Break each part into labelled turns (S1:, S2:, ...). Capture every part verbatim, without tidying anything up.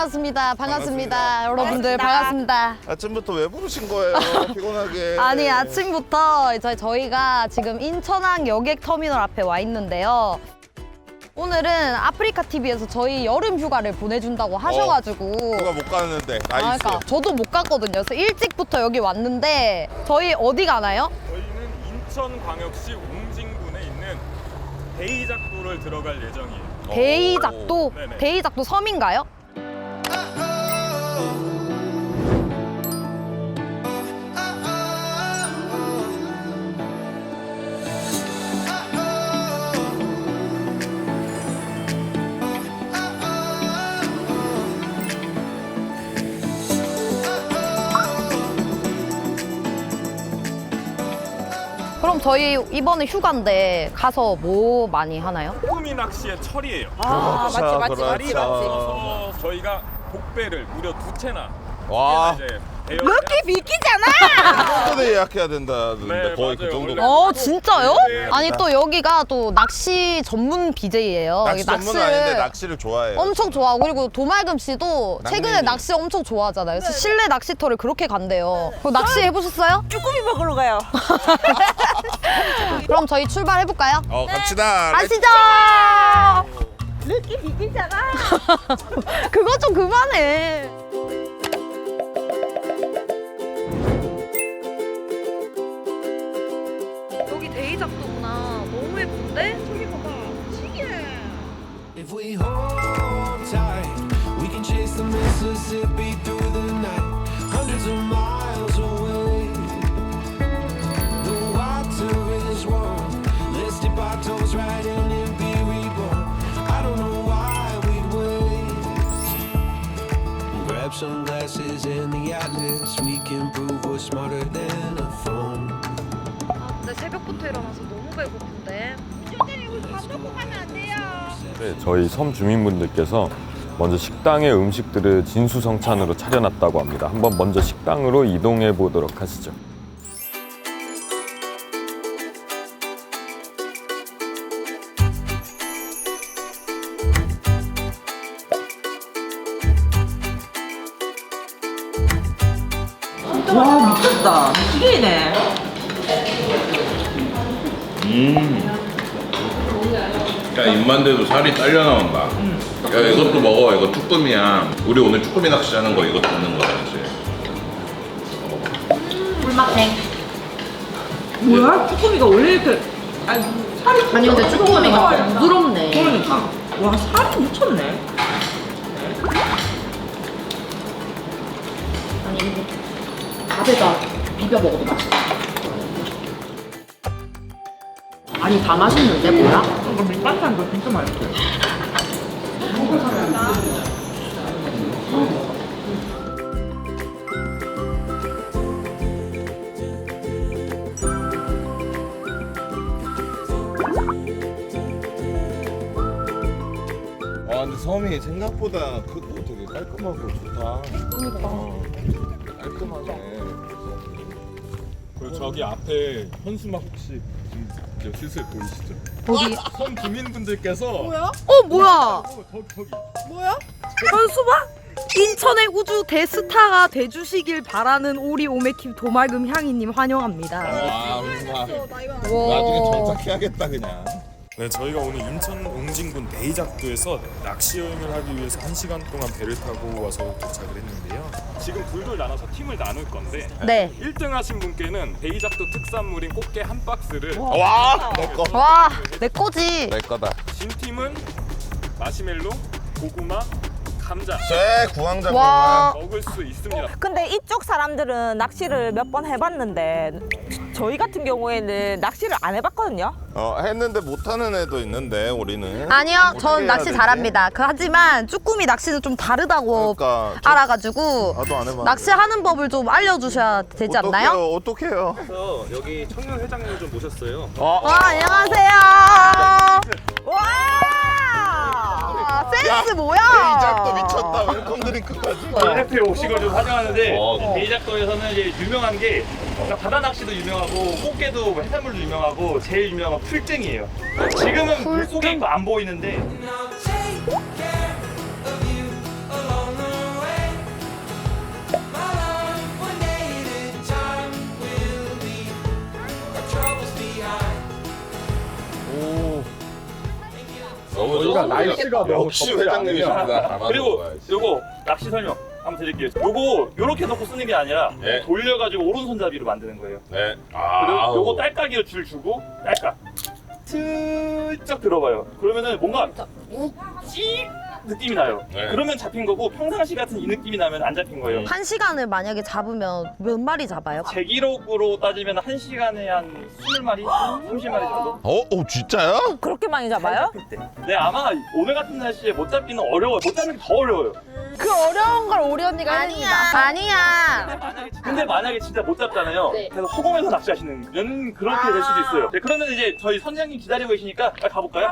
S1: 반갑습니다. 반갑습니다. 여러분들 반갑습니다.
S2: 아침부터 왜 부르신 거예요? 피곤하게.
S1: 아니 아침부터 저희, 저희가 지금 인천항 여객터미널 앞에 와 있는데요. 오늘은 아프리카티비에서 저희 여름 휴가를 보내준다고 하셔가지고
S2: 누가 못 가는데
S1: 아,
S2: 나이스.
S1: 그러니까 저도 못 갔거든요. 그래서 일찍부터 여기 왔는데 저희 어디 가나요?
S3: 저희는 인천광역시 웅진군에 있는 대이작도를 들어갈 예정이에요.
S1: 대이작도?
S3: 네네.
S1: 대이작도 섬인가요? 그럼 저희 이번에 휴가인데 가서 뭐 많이 하나요?
S3: 쭈꾸미 낚시의 철이에요.
S4: 아, 맞지, 맞지, 맞지, 맞지.
S3: 그래서 저희가 복배를 무려 두 채나
S2: 와.
S3: 이제 대여
S4: 럭키 비키잖아.
S2: 전에 예약해야 된다는데
S3: 네,
S2: 거의 그
S3: 맞아요.
S2: 정도.
S3: 원래.
S1: 어 진짜요?
S3: 네.
S1: 아니 또 여기가 또 낚시 전문 비제이예요.
S2: 낚시 전문은 아닌데 낚시를 좋아해요.
S1: 엄청 좋아하고 그리고 도말금 씨도 최근에
S2: 낚시.
S1: 낚시 엄청 좋아하잖아요. 그래서 실내 낚시터를 그렇게 간대요. 그럼 낚시 해보셨어요?
S4: 쭈꾸미 먹으러 가요.
S1: 그럼 저희 출발해볼까요?
S2: 어 갑시다.
S1: 가시죠!
S4: 럭키 비키잖아.
S1: 그거 좀 그만해. 여기 대이작도구나. 너무 예쁜데? 저기 봐봐. 신기해.
S5: If we hold tight, we can chase the Mississippi through the night, hundreds of miles away. The water is warm. Let's dip our toes right in and be reborn. I don't know why we'd wait. Grab some glasses in the atlas. We can prove we're smarter than a phone.
S1: 아, 근데 새벽부터 일어나서 너무 배고픈데.
S4: 밥 먹고 가면 안 돼요.
S6: 네, 저희 섬 주민분들께서 먼저 식당에 음식들을 진수성찬으로 차려놨다고 합니다. 한번 먼저 식당으로 이동해 보도록 하시죠.
S4: 와, 미쳤다. 튀기네.
S7: 야, 입만 대도 살이 딸려 나온다. 야, 이것도 먹어. 이거 쭈꾸미야. 우리 오늘 쭈꾸미 낚시하는 거 이거 듣는 거야, 그치?
S4: 뭐야? 쭈꾸미가 원래 이렇게 아니 살이
S1: 아니 근데 쭈꾸미가 부드럽네.
S4: 그러니까 와 살이 미쳤네.
S8: 밥에다 비벼 먹어도 맛있다. 아니 다 맛있는데 뭐야?
S4: 이거 밑반찬도 진짜 맛있어.
S2: 아 근데 섬이 생각보다 크고 되게 깔끔하고 좋다. 그러니까. 깔끔하네.
S3: 그리고 저기 앞에 현수막 혹시 이제 슬슬 보이시죠?
S1: 어디?
S3: 섬 주민분들께서 뭐야?
S1: 어 뭐야?
S3: 어, 저기 저기
S1: 현수막? 인천의 우주 대스타가 돼주시길 바라는 오리 오메킴 도말금 향이님 환영합니다.
S2: 와 정말.
S1: 와.
S2: 나중에 정착해야겠다 그냥.
S3: 네, 저희가 오늘 인천 웅진군 대이작도에서 낚시 여행을 하기 위해서 한 시간 동안 배를 타고 와서 도착을 했는데요. 지금 둘둘 나눠서 팀을 나눌 건데
S1: 네.
S3: 일 등 하신 분께는 대이작도 특산물인 꽃게 한 박스를,
S2: 와 내 거.
S1: 와, 내 거지.
S2: 내 거다.
S3: 진 팀은 마시멜로, 고구마, 감자
S2: 제 구황작물만.
S1: 와.
S3: 먹을 수 있습니다.
S4: 근데 이쪽 사람들은 낚시를 몇 번 해봤는데 저희 같은 경우에는 낚시를 안 해봤거든요.
S2: 어 했는데 못하는 애도 있는데 우리는.
S1: 아니요,
S2: 어떻게
S1: 전
S2: 해야
S1: 낚시
S2: 되지?
S1: 잘합니다. 그, 하지만 쭈꾸미 낚시는 좀 다르다고
S2: 그러니까 저-
S1: 알아가지고
S2: 나도 안 해봤는데.
S1: 낚시하는 법을 좀 알려주셔야 되지 않나요?
S2: 어떡해요?
S3: 그래서 여기 청년 회장님을 좀 모셨어요.
S2: 어?
S1: 와, 안녕하세요.
S4: 와!
S1: 와, 센스 뭐야?
S2: 대이작도 미쳤다. 웰컴 드링크까지.
S9: 해피에 오신 걸 좀 환영하는데
S2: 어.
S9: 대이작도에서는 이제 유명한 게 그러니까 바다 낚시도 유명하고 꽃게도 뭐 해산물도 유명하고 제일 유명한 풀증이에요. 지금은 물속에 안 보이는데
S5: Take care of you along the
S2: 날씨가 날씨가 너무 역시 회장님이십니다.
S9: 그리고 요거 낚시 설명 한번 드릴게요. 요거 요렇게 놓고 쓰는 게 아니라
S2: 네.
S9: 돌려가지고 오른손잡이로 만드는 거예요.
S2: 네.
S9: 그리고 요거 딸깍이로 줄 주고 딸깍 슬쩍 들어봐요. 그러면은 뭔가 욱찍 느낌이 나요.
S2: 네.
S9: 그러면 잡힌 거고 평상시 같은 이 느낌이 나면 안 잡힌 거예요.
S1: 한 시간을 만약에 잡으면 몇 마리 잡아요?
S9: 제 기록으로 따지면 한 시간에 한 이십 마리, 삼십 마리 정도?
S2: 어, 어 진짜요?
S4: 그렇게 많이 잡아요?
S9: 네, 아마 오늘 같은 날씨에 못 잡기는 어려워요. 못 잡는 게 더 어려워요.
S1: 그 어려운 걸 오리 언니가 아니야. 아니야.
S9: 근데 만약에 진짜 못 잡잖아요.
S8: 네.
S9: 그래서 허공에서 낚시하시는 연 그렇게 될 수도 있어요. 네, 그러면 이제 저희 선장님 기다리고 계시니까 빨리 가볼까요?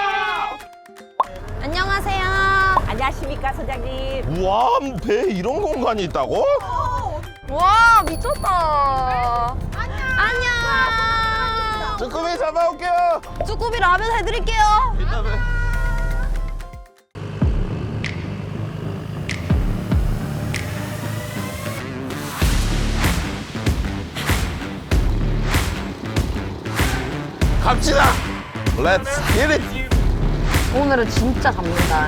S1: 안녕하세요.
S4: 안녕하십니까 선장님.
S2: 우와, 배에 이런 공간이 있다고?
S1: 와 미쳤다. 안녕.
S2: 쭈꾸미 잡아올게요.
S1: 쭈꾸미 라면 해드릴게요.
S2: 이따 봬. 갑시다. Let's get it.
S1: 오늘은 진짜 잡는다.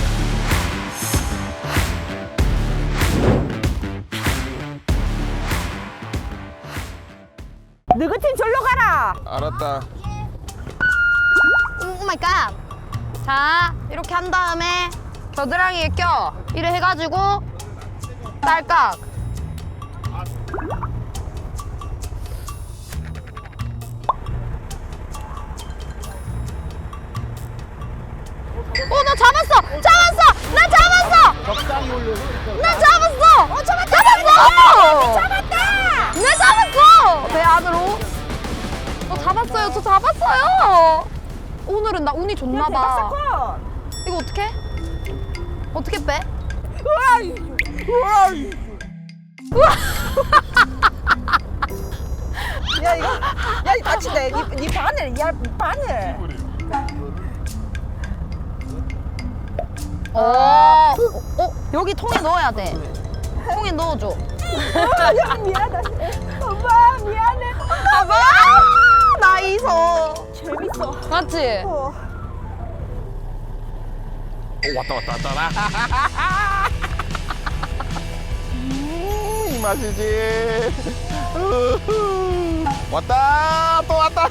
S4: 너희 팀 절로 가라.
S2: 알았다.
S1: 오 마이 갓. 자 이렇게 한 다음에 겨드랑이에 껴. 이래 해가지고 딸깍. 어, 나 잡았어! 잡았어! 나 잡았어! 나 잡았어! 어, 잡았다! 잡았어! 잡았다! 나 잡았어! 배 안으로. 어, 잡았어요. 저 잡았어요. 오늘은 나 운이 좋나 봐.
S4: 사건.
S1: 이거 어떻게? 어떻게 빼?
S4: 야 이거 야 이거 다친다. 니, 니 바늘 야 바늘.
S1: 어, 어, 어, 여기 통에 넣어야 돼. 통에 넣어줘.
S4: 야 미안하다. 엄마 미안해.
S1: 봐봐! 나이스.
S4: 재밌어.
S1: 맞지?
S4: 어.
S2: 오, 왔다 왔다 왔다. 음, 이 맛이지. 우후. 왔다 또 왔다.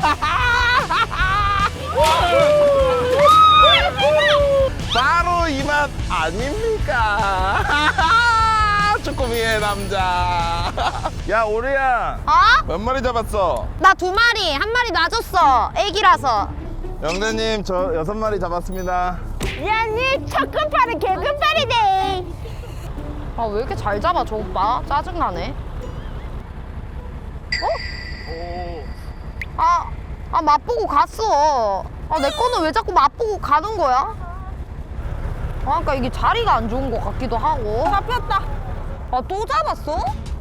S2: 바로 이 맛 아닙니까? 쭈꾸미의 남자. 야 오리야,
S1: 어?
S2: 몇 마리 잡았어?
S1: 나 두 마리, 한 마리 놔줬어. 애기라서.
S2: 영대님 저 여섯 마리 잡았습니다.
S4: 야니 첫 끝발은 개 끝발이네.
S1: 아, 왜 이렇게 잘 잡아, 저 오빠? 짜증나네. 어? 아, 아, 맛보고 갔어. 아, 내 거는 왜 자꾸 맛보고 가는 거야? 아, 그러니까 이게 자리가 안 좋은 것 같기도 하고. 잡혔다. 아, 또 잡았어?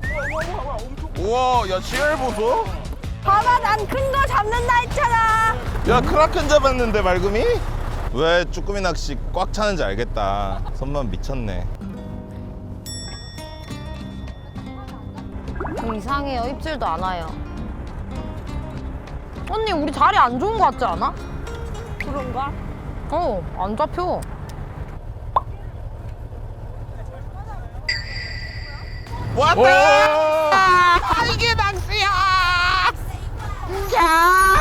S2: 우와, 야 씨알 보소.
S4: 봐봐 난 큰 거 잡는다 했잖아.
S2: 야 크라켄 잡았는데 말금이? 왜 쭈꾸미 낚시 꽉 차는지 알겠다. 손만 미쳤네.
S1: 좀 이상해요. 입질도 안 와요. 언니, 우리 자리 안 좋은 것 같지 않아?
S4: 그런가?
S1: 어, 안 잡혀.
S2: 왔다! 아, 이게 낚시야! 야!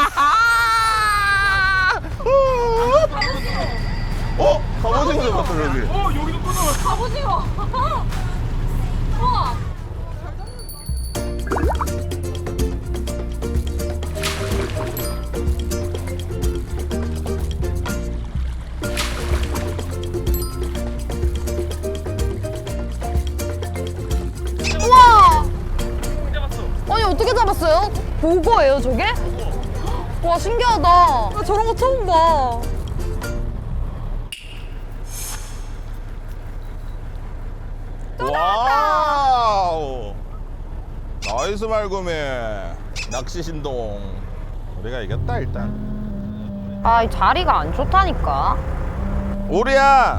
S2: 어? 갑오징어 잡았어 여기.
S9: 어, 여기도 끊어.
S1: 갑오징어. 우와. 우와. 아니, 어떻게 잡았어요? 보고예요, 저게? 와, 신기하다. 나 저런 거 처음 봐.
S2: 와우! 나이스 말금이. 낚시 신동. 우리가 이겼다 일단.
S1: 아, 이 자리가 안 좋다니까.
S2: 오리야!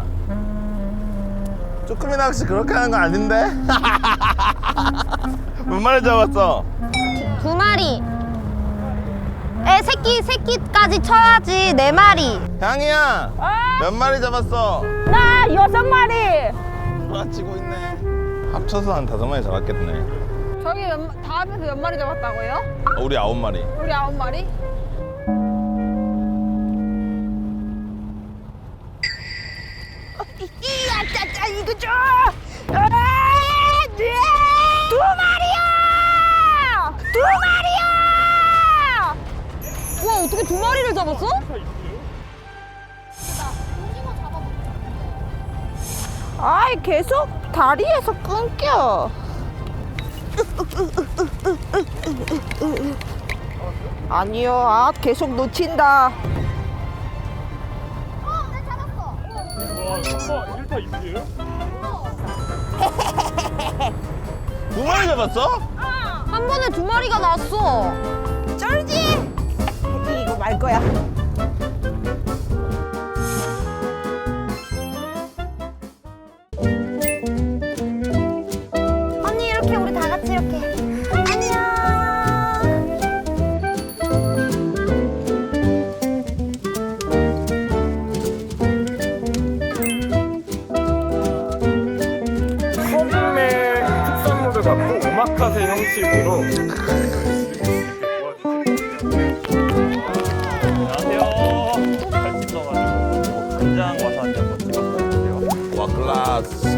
S2: 쭈꾸미 낚시 그렇게 하는 거 아닌데? 몇 마리 잡았어?
S1: 두 마리. 애 새끼 새끼까지 쳐야지 네 마리.
S2: 향이야. 몇 마리 잡았어?
S4: 나 여섯 마리.
S2: 돌아치고 있네. 합쳐서 한 다섯 마리 잡았겠네.
S1: 저기 몇, 다 합해서 몇 마리 잡았다고요?
S2: 어, 우리 아홉 마리.
S1: 우리 아홉 마리?
S4: 이야, 짜짜 이거 줘. 아, 네. 두 마리야. 두 마리야.
S1: 와 어떻게 두 마리를 잡았어?
S4: 아이 계속 다리에서 끊겨. 아니요, 아 계속 놓친다.
S3: 와, 일 파 이 푸예요?
S2: 두 마리 잡았어?
S1: 한 번에 두 마리가 났어.
S4: 쩔지? 이거 말 거야.
S1: 언니 이렇게 우리 다 같이 이렇게. 안녕.
S3: 소금의 특산물을 갖고 오마카세 형식으로
S9: 안녕하세요. 잘 씻어가지고 간장 와사비 한번 찍어서 해주세요.
S2: 와 클라스.